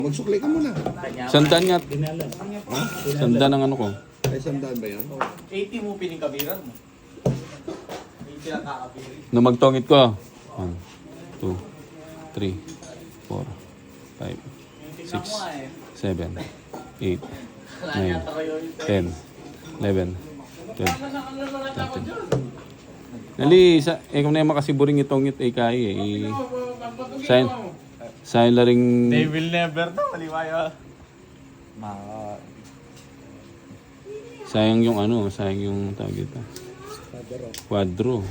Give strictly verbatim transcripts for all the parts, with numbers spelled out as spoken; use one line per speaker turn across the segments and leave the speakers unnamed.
Magsuklay ka muna.
Sandaan nga.
Ha?
Sandaan ang ano ko.
Ay, sandaan ba yan?
eighty mo piningkabiran mo. eighty lang kakabirin.
Nung magtongit ko. one, two, three, four, five, six, seven, eight, nine, ten, eleven, twelve, thirteen. Nali, sa, eh kung na yung makasiburing itongit eh kaya eh. Sign. Sign la ring...
They will never know. Maliwaya. Ma...
Sayang yung ano, sayang yung tawag ito. Quadro.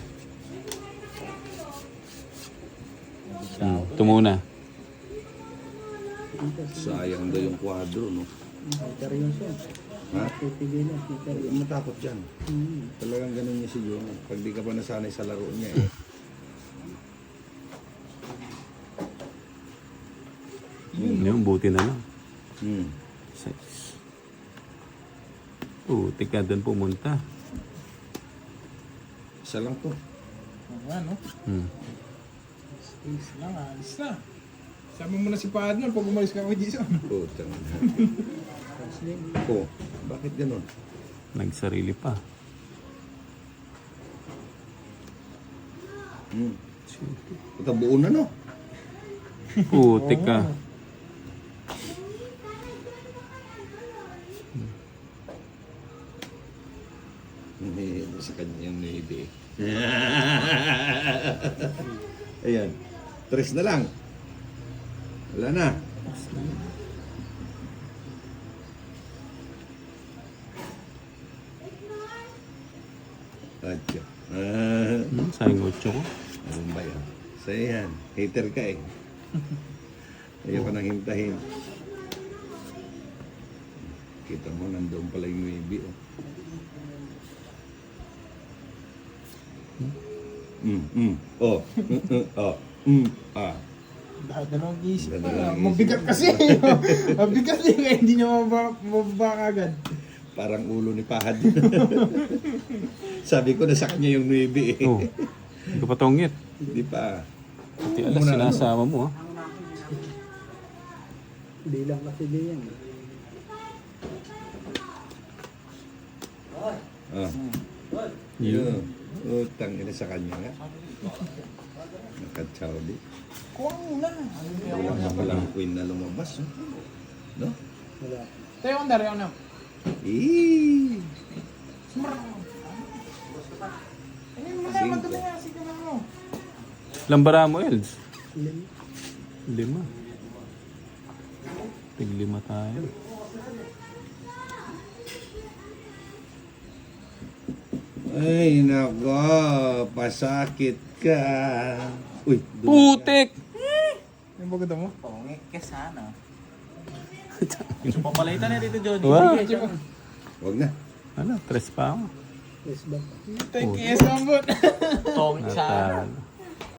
Hmm, ito muna.
Sayang daw yung kwadro, no? Ha? Matakot dyan. Talagang ganun niya si Jonah. Pag di ka pa nasanay sa laro niya eh.
Hmm, yung buti na lang.
Hmm.
Six. Putik ka doon pumunta.
Isa lang to.
Ano?
Hmm.
Alis lang, alis na. Sama mo na si partner pag umalis ka kay Jason.
Oh, tangan na. Oh, bakit ganun?
Nagsarili pa.
Hmm. Ito buo na, no?
Putik ka.
Hindi sa kanya yung navy. Ayan. Tres na lang. Wala na. Atyo. Ah,
Hmm, sayang otso ko.
ano ba yan? So yan. Hater ka eh. Ayaw ka nang hintahin. Kita mo, nandoon pala yung navy. Oh. Mm, mm, oh, mm, mm, oh, mm, ah.
Dalawang isip pa.
Dalawang isip.
Mabigat kasi. Mabigat eh. Kaya hindi niya mababa, mababa agad.
Parang ulo ni Pahad. Sabi ko, nasa kanya yung nuebe eh.
Oh. Hindi ko patongit.
Hindi pa.
Pati alas sinasama mo ah.
Hindi lang kasi diyan.
Ah.
Yun.
Yun. Utang ina sa kanya nga. Nakachawdi.
Kuha mo na.
Wala na palang queen na lumabas. Oh. No?
Wala.
Tayo kong dari, ano?
Eh.
Ano mo na, madali nga. Sige na mo.
Lambara mo, Els.
Lim-
Lima. Tig lima tayo.
Ay, nako. Pasakit ka. Uy. dum-
Putik!
Yung bagay mo?
Pongit ka sana. So, papalitan na dito, Johnny.
Wow.
Huwag na.
Ano, tres pa ako.
Yes, back.
Thank you, Sambot.
Pongit sana.
Natalo.